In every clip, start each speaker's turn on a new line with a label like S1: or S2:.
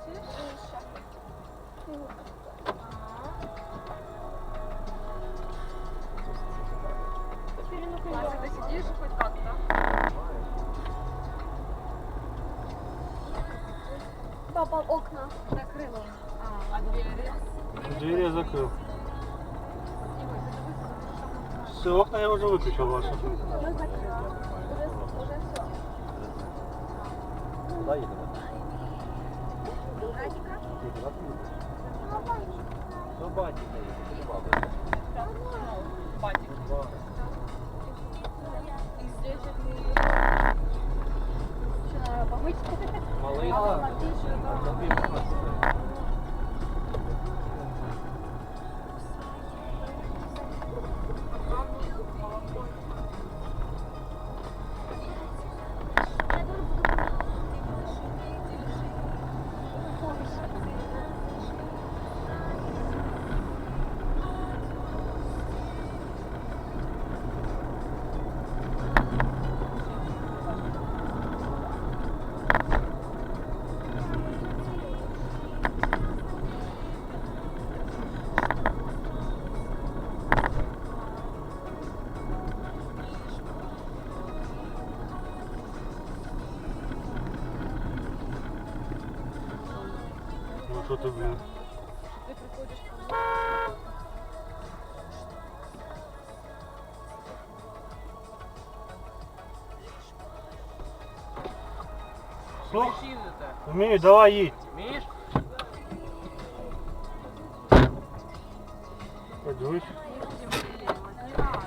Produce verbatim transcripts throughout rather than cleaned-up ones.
S1: Вася, ты сидишь хоть как-то?
S2: Папа, окна.
S1: Закрыла. А, а двери?
S3: Двери я закрыл. Все, окна я уже выключил ваши.
S2: Уже закрыла. Уже, уже все.
S4: Куда едем?
S2: Радика?
S4: До батіка їдемо.
S1: Батик. И здесь это...
S2: Что надо помыть?
S4: Малий,
S2: А,
S4: так.
S2: отлично.
S4: Тобі можна.
S3: Ну что ты, блин?
S1: Ты приходишь ко мне.
S3: Что?
S4: Машину-то.
S3: Умею, давай едь.
S4: Вмієш?
S3: Пойдешь.
S1: Не надо.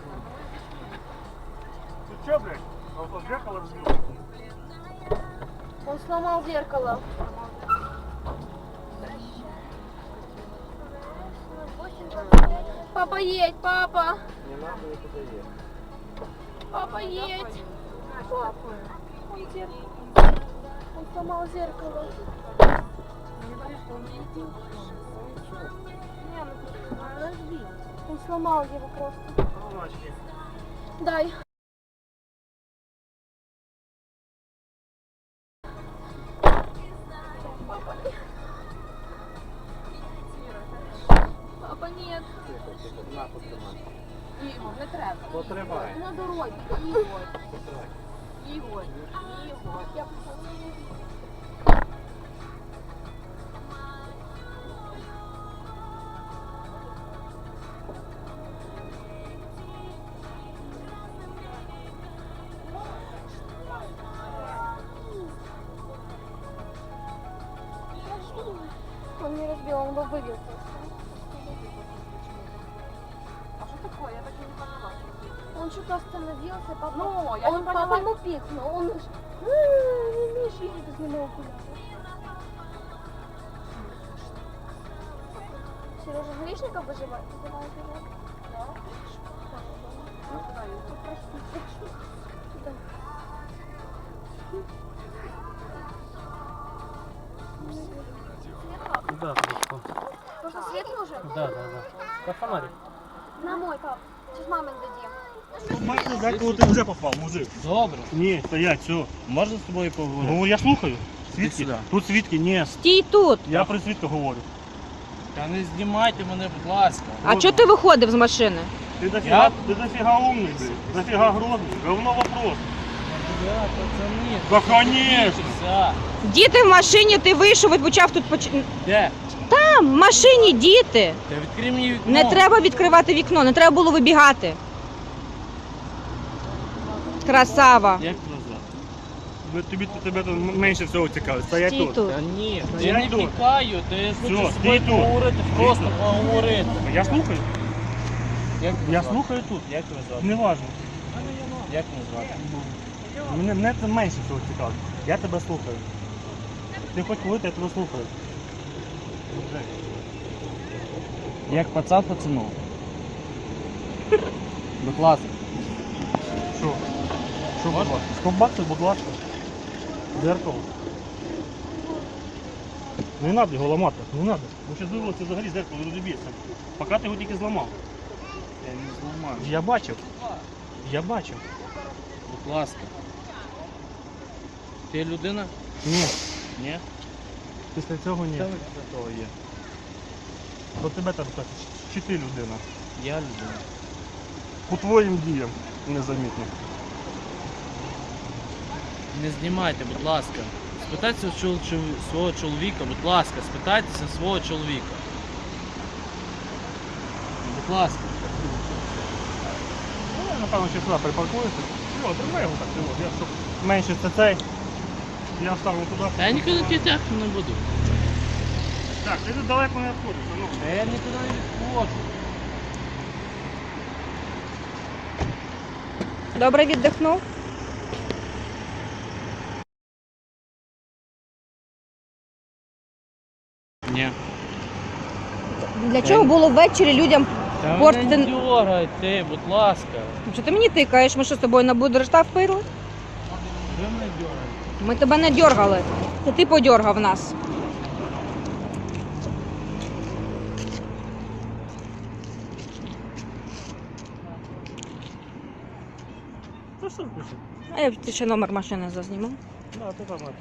S3: Ты что, блядь? А вот зеркало разбил.
S2: Он сломал зеркало. Папа, едь, папа.
S4: Не надо нікуди їхати.
S2: Папа, едь. Папа. Он, зер... он сломал зеркало.
S1: Не говори, что он не идет.
S2: Не, ну подожди. Он сломал его просто.
S3: Ручки.
S2: Дай. Папа, нет. Папа, нет.
S4: Тихо, тихо. На, потримай.
S1: Ігор, не треба.
S4: Потримай.
S2: На дороге. Игорь.
S4: Потримай.
S1: Ігор. Ігор.
S2: Я пошла. Он не разбил, он бы выбил.
S1: А что такое? Я так и не поняла.
S2: Он что-то остановился, папа.
S1: Ну, я
S2: он
S1: не поняла.
S2: папа ему пикнул. Он уж... Не умеешь видеть без него окуляра. Сережа Гришников выживает? Давай, давай. Прости, прошу. Сюда.
S3: Да, просто.
S2: Можно свет нужен?
S3: Да, да, да. Как фонарик.
S2: На мой, пап. Сейчас маме дадим.
S3: Бачиш, деколи ти вже попав, мужик.
S4: Добре.
S3: Ні, стоять, все.
S4: Можна з тобою поговорити?
S3: Ну, я слухаю. Свідки?
S4: сюди.
S3: Тут свідки, ні.
S5: Стій тут.
S3: Я при свідках говорю.
S4: Та не знімайте мене, будь ласка.
S5: А чого ти виходив з машини?
S3: Ти дофіга,
S4: Я?
S3: ти дофіга умний, блядь. Дофіга грозний. Говно вопрос.
S4: Да, пацани.
S3: Да, конечно.
S4: Все.
S5: Діти в машині, ти вийшов і почав тут поч...
S4: Де?
S5: Там, в машині діти.
S4: Та відкрий мені вікно.
S5: Не треба відкривати вікно, не треба було вибігати. Красава.
S4: Як назад?
S3: Ну, тобі тебе тут менше всього цікавить. Стоять
S5: Стій
S3: тут.
S5: тут.
S4: Та ні,
S3: Я
S4: я не
S3: йду.
S4: тікаю, та я хочу
S3: Всьо,
S4: з тобою
S3: стій тут.
S4: поговорити, просто поговорити.
S3: Я слухаю.
S4: Як
S3: Я
S4: тебе звати?
S3: слухаю тут.
S4: Як тебе звати?
S3: Неважно.
S4: Як мене звати?
S3: Мене, мене це менше всього цікавить. Я тебе слухаю. Ти хоч коли, я тебе слухаю.
S4: Як пацан пацану. Будь ласка.
S3: Що? Що, будь ласка? Скобакси, будь ласка. Дзеркало. Не треба його ламати, не треба. Бо ще вивелося взагалі зеркало розіб'ється. Поки ти його тільки зламав.
S4: Я не зламаю.
S3: Я бачив. Я бачив.
S4: Будь ласка. Ти людина?
S3: Ні.
S4: Ні?
S3: Після цього ні.
S4: Що ви після того є?
S3: До тебе там хтось, чи ти людина.
S4: Я людина.
S3: По твоїм діям незамітно.
S4: Не знімайте, будь ласка. Спитайтеся у чол- чол- свого чоловіка, будь ласка, спитайтеся свого чоловіка. Будь ласка.
S3: Ну, я, напевно, ще сюди припаркуюся. Йо, тримай його так, ти от. Я щоб менше це цей. Я ставлю туди.
S4: Та я нікуди тягти не буду.
S3: Так, ти тут далеко не відходиш, ну.
S4: Та я нікуди не відходжу.
S5: Добре віддихнув?
S4: Ні.
S5: Для чого було ввечері людям
S4: Та
S5: портити?
S4: не дергайте, будь ласка.
S5: Що ти мені тикаєш? Ми що з тобою на будрештав пили?
S4: Ви мене дергаєте.
S5: Ми тебе не дьоргали. Це ти подьоргав нас.
S3: Та що пише?
S5: А я ти ще номер машини зазніму.
S3: Да, ти там это.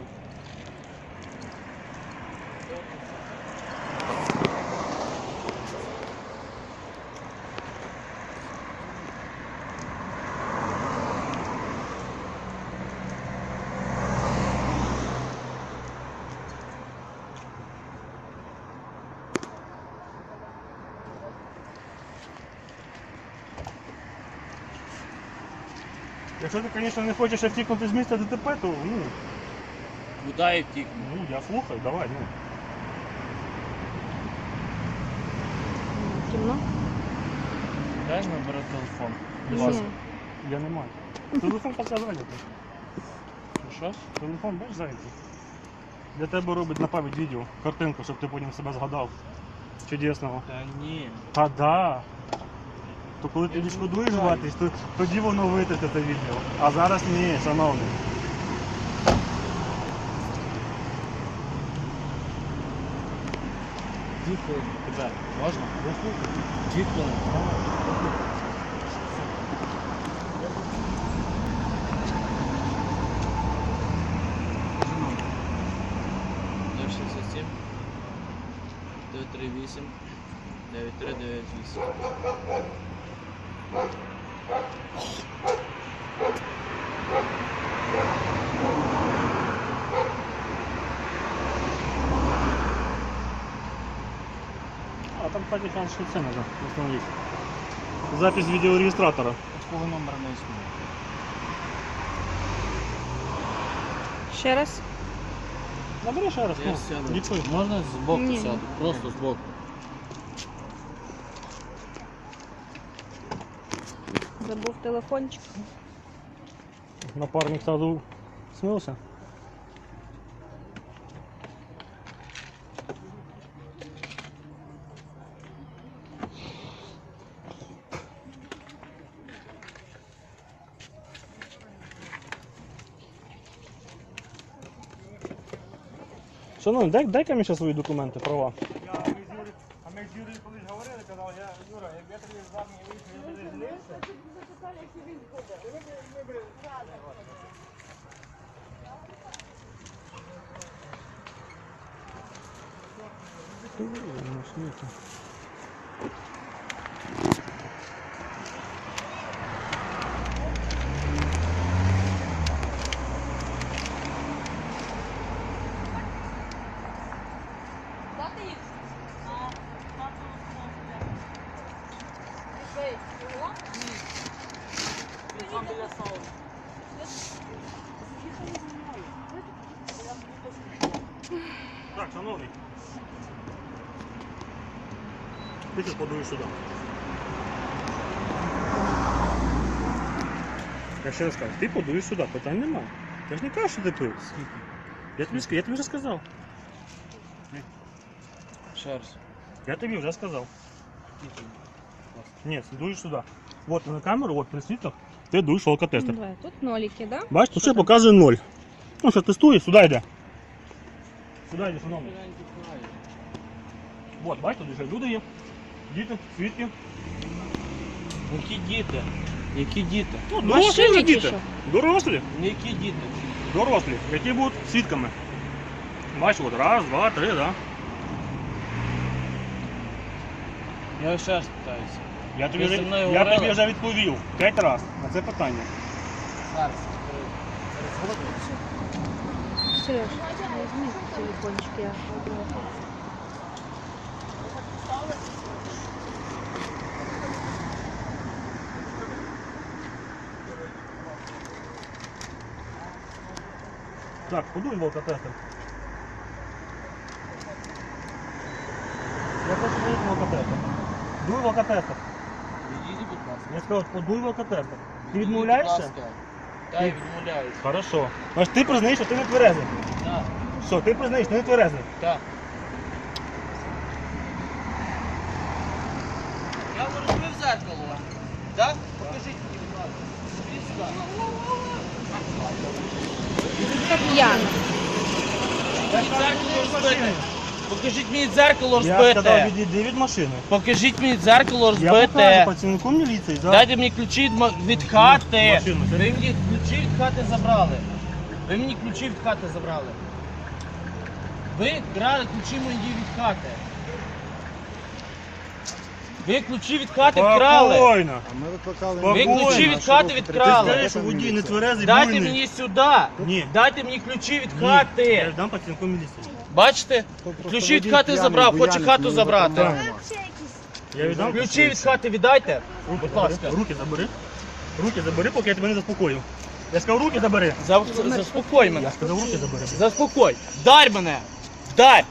S3: Якщо ти, звісно, не хочеш втікнути з місця ДТП, то ну,
S4: Куди я втікну?
S3: ну я слухаю, давай, ну.
S5: Кімно?
S4: Дай набери телефон. Будь
S5: Ні.
S4: ласка.
S3: Я не маю. Телефон поки зайнятий.
S4: Що?
S3: Телефон бачиш зайнятий. Для тебе робить на пам'ять відео, картинку, щоб ти потім себе згадав. Чудесного.
S4: Та ні.
S3: Та да. То коли ти
S4: Я
S3: відшкодуєш
S4: не знаю.
S3: вартість, то тоді воно витратить це відео. А зараз ні, шановний.
S4: Дві хвилини. Тебе. Можна?
S3: Я слухаю.
S4: Дві хвилини. нуль шістдесят сім дев'ять три вісім дев'ять три дев'ять вісім.
S3: А там кстати, шанс, що це треба встановити. Запись відеореєстратора.
S4: Такого номера не існує.
S5: Ще раз?
S3: Набери ще раз,
S4: Я
S3: ну,
S4: сяду.
S3: диктуй.
S4: Можна збоку
S5: Ні.
S4: сяду? Просто збоку.
S5: Забув телефончик.
S3: Напарник сразу смылся. Шановний, дай, дай-ка мені ще свої документи, права. А ми з Юрієм колись говорили, казав, я, Юра, як я тобі з вами вийшов, я злився. Так, шановний. Ти тут подуєш сюди. Я ще раз кажу, ти подуєш сюди, питань немає. Я ж не кажу, що ти пив. Я тобі, ск- я тобі вже сказав.
S4: Ще раз.
S3: Я тобі вже сказав. Ні, дуєш сюди. От на камеру, от при світлах, ти дуєш алкотестер.
S5: Давай, тут ноліки, да?
S3: Бачиш, тут ще показує ноль. Ну що, тестуєш, сюди йде. Сюди йде, шановний. От, бачиш, тут вже люди є. Діти, свідки.
S4: Які діти? Які діти?
S3: Ну,
S5: Машині
S3: дорослі вже
S5: ті,
S3: діти.
S5: що?
S3: Дорослі.
S4: Які діти?
S3: Дорослі, які будуть свідками. Бачиш, от раз, два, три, да?
S4: Я ще раз питаюся.
S3: Я тобі,
S4: Ви зі
S3: вже,
S4: мною
S3: я
S4: говорили?
S3: тобі вже відповів п'ять разів на це питання.
S4: Зараз.
S5: Сереж, візьми телефончик, я одного.
S3: Так, подуй в алкотестер. Я хочу подуй в алкотестер. Дуй в алкотестер.
S4: Відійди, будь ласка.
S3: Я сказав, подуй в алкотестер. Ти
S4: Відійди,
S3: відмовляєшся?
S4: будь ласка. Так, я відмовляюсь.
S3: Хорошо. Значить, ти признаєш, що ти не тверезий.
S4: Так,
S3: Що, ти признаєш, що ти не тверезий.
S4: так. Я розбив зеркало. Так? Покажіть мені, будь ласка. Скажіть сюди.
S5: П'яна.
S4: Покажіть мені дзеркало
S3: Я сказав,
S4: розбите.
S3: відійди від машини.
S4: Покажіть мені дзеркало
S3: Я покажу
S4: розбите.
S3: працівнику міліції. За...
S4: Дайте мені ключі від ма- від хати.
S3: Машину,
S4: Ви
S3: сядь.
S4: мені ключі від хати забрали. Ви мені ключі від хати забрали. Ви крали ключі мої від хати. Ви ключі від хати вкрали.
S3: Спокійно.
S6: А ми викликали
S3: Ви
S6: міліцію,
S4: ключі від
S6: нашу
S4: хати
S6: руку
S3: Ти
S4: відкрали.
S3: скажеш, що водій не тверезий,
S4: Дайте
S3: буйний.
S4: мені сюди.
S3: Ні.
S4: Дайте мені ключі від
S3: Ні. Я
S4: хати.
S3: дам працівнику міліції.
S4: Бачите?
S6: Просто
S4: Ключі від
S6: водій
S4: хати
S6: п'яний,
S4: забрав, хоче
S6: буянить,
S4: хату
S6: ми не
S4: забрати.
S6: викликаємо.
S3: Я віддам.
S4: Ключі від хати віддайте.
S3: Руки
S4: Будь
S3: забери.
S4: ласка.
S3: Руки забери. Руки забери, поки я тебе не заспокою. Я сказав, руки забери.
S4: За- Заспокой мене.
S3: Я сказав, руки забери.
S4: Заспокой. Вдарь мене. Вдарь.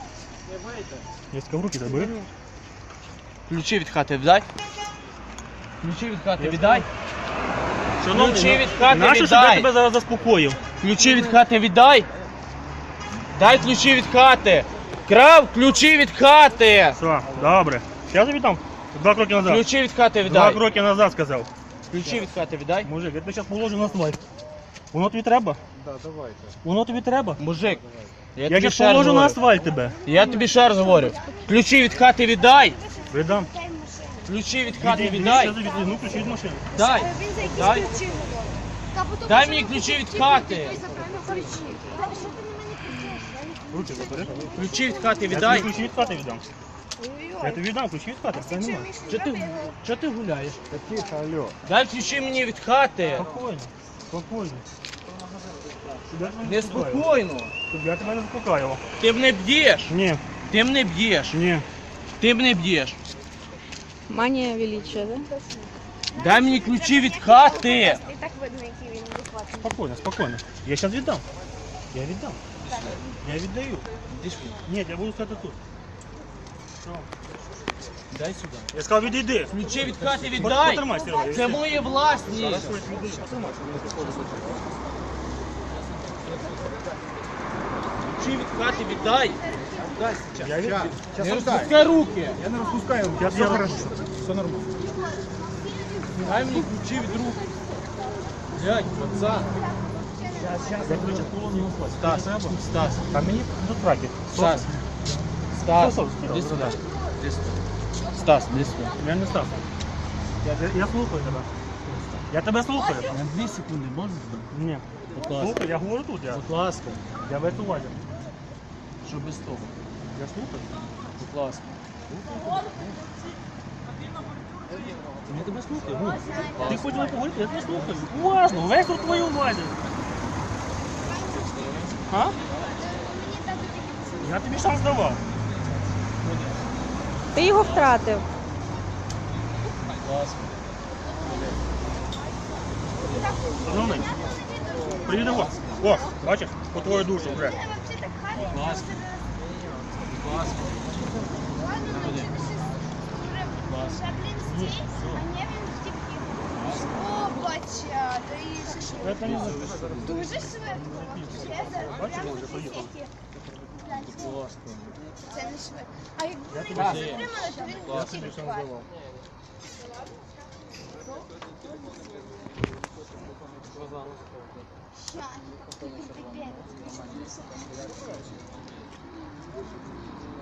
S3: Я сказав, руки забери.
S4: Ключі від хати віддай. Ключі від хати віддай.
S3: Шановний,
S4: Ключі
S3: ну,
S4: від хати
S3: нащо, щоб
S4: віддай.
S3: я тебе зараз заспокоїв?
S4: Ключі від хати віддай. Дай ключі від хати. Крав ключі від хати.
S3: Все, добре. Зараз я віддам. Два кроки назад.
S4: Ключі від хати
S3: Два
S4: віддай.
S3: кроки назад сказав.
S4: Ключі від хати віддай.
S3: Мужик, я тебе зараз положу на асфальт. Воно тобі треба?
S6: Да, давайте.
S3: Воно тобі треба?
S4: Мужик. Я
S3: Я
S4: тобі
S3: зараз
S4: ще раз
S3: положу на
S4: говорю.
S3: асфальт тебе.
S4: Я тобі ще раз говорю. Ключі від хати віддай.
S3: Віддам.
S4: Ключі від хати
S3: Відійди,
S4: віддай.
S3: щас я відвізьму ключі від машини.
S4: Дай.
S2: Він за якісь
S4: Дай.
S2: ключі говорить. Та потім
S4: Дай
S2: що
S4: мені
S2: ви
S4: ключі від
S2: ключі
S4: хати.
S2: Той запевно кричить. Та що ти на мене кричиш?
S3: Руки забери.
S4: Ключі від хати
S3: Я тобі
S4: віддай.
S3: ключі від хати віддам. Я
S2: Ой-ой-ой.
S3: тобі віддам ключі від хати, це немає.
S4: Чого ти, чого ти гуляєш?
S6: Та тихо, алло.
S4: Дай ключі мені від хати.
S3: Спокійно, спокійно. Щоб я тебе не заспокоював.
S4: Неспокійно.
S3: Щоб я тебе не заспокоював.
S4: Ти мене б'єш.
S3: Ні,
S4: Ти мене б'єш.
S3: ні.
S4: Ти мене б'єш.
S5: Манія величия, да?
S4: Дай мені ключі від хати.
S2: І так видно, який він адекватний.
S3: Спокійно, спокійно. Я зараз віддам. Я віддам. Я віддаю.
S4: Іди сюди.
S3: Ні, я буду стояти тут. Що?
S4: Дай сюди.
S3: Я сказав, відійди.
S4: Ключі від хати
S3: Бо-
S4: віддай.
S3: Потримай, Серега.
S4: Це моє власність. Ключі від хати віддай.
S3: Я віддам.
S4: Не розпускай руки.
S6: Я не розпускаю,
S3: Я
S6: все
S3: все
S6: хорошо. Все нормально.
S4: Дай мені ключі від рук. Блядь, пацан.
S3: Я тебе зараз положу на асфальт.
S4: Стас,
S3: Треба?
S4: Стас,
S3: А мені до траки.
S4: Стас. Стас,
S3: Стас,
S4: іди сюди. Іди сюди. Стас, іди сюди.
S3: Я не став. Я, я слухаю тебе. Я тебе слухаю.
S4: На дві секунди можна?
S3: Ні.
S4: Будь ласка.
S3: Слухай, я говорю тут. Я,
S4: Будь ласка.
S3: я в цю увазі.
S4: Що без того?
S3: Я слухаю.
S4: Будь ласка.
S3: Я тебе слухаю. Ну, ти хотіла поговорити, я тебе слухаю. Уважно, весь тут твою увазі. А? Я тобі шанс давав.
S5: Ти його втратив.
S4: Будь ласка.
S3: Шановний, приїде ось. О, бачиш, по твою душу вже.
S4: Будь ласка. Будь ласка. Куди? Будь ласка.
S2: О, бача, то і що?
S3: Це не за-
S2: Дуже швидко.
S3: Бачиш, я вже поїхав.
S4: Будь ласка.
S2: Це не швидко. А якби ви
S3: тобі-
S2: його затримали, то він
S3: Я
S2: ключі
S3: тобі шанс
S2: відкладає.
S3: давав.
S2: Щас, ти пипець.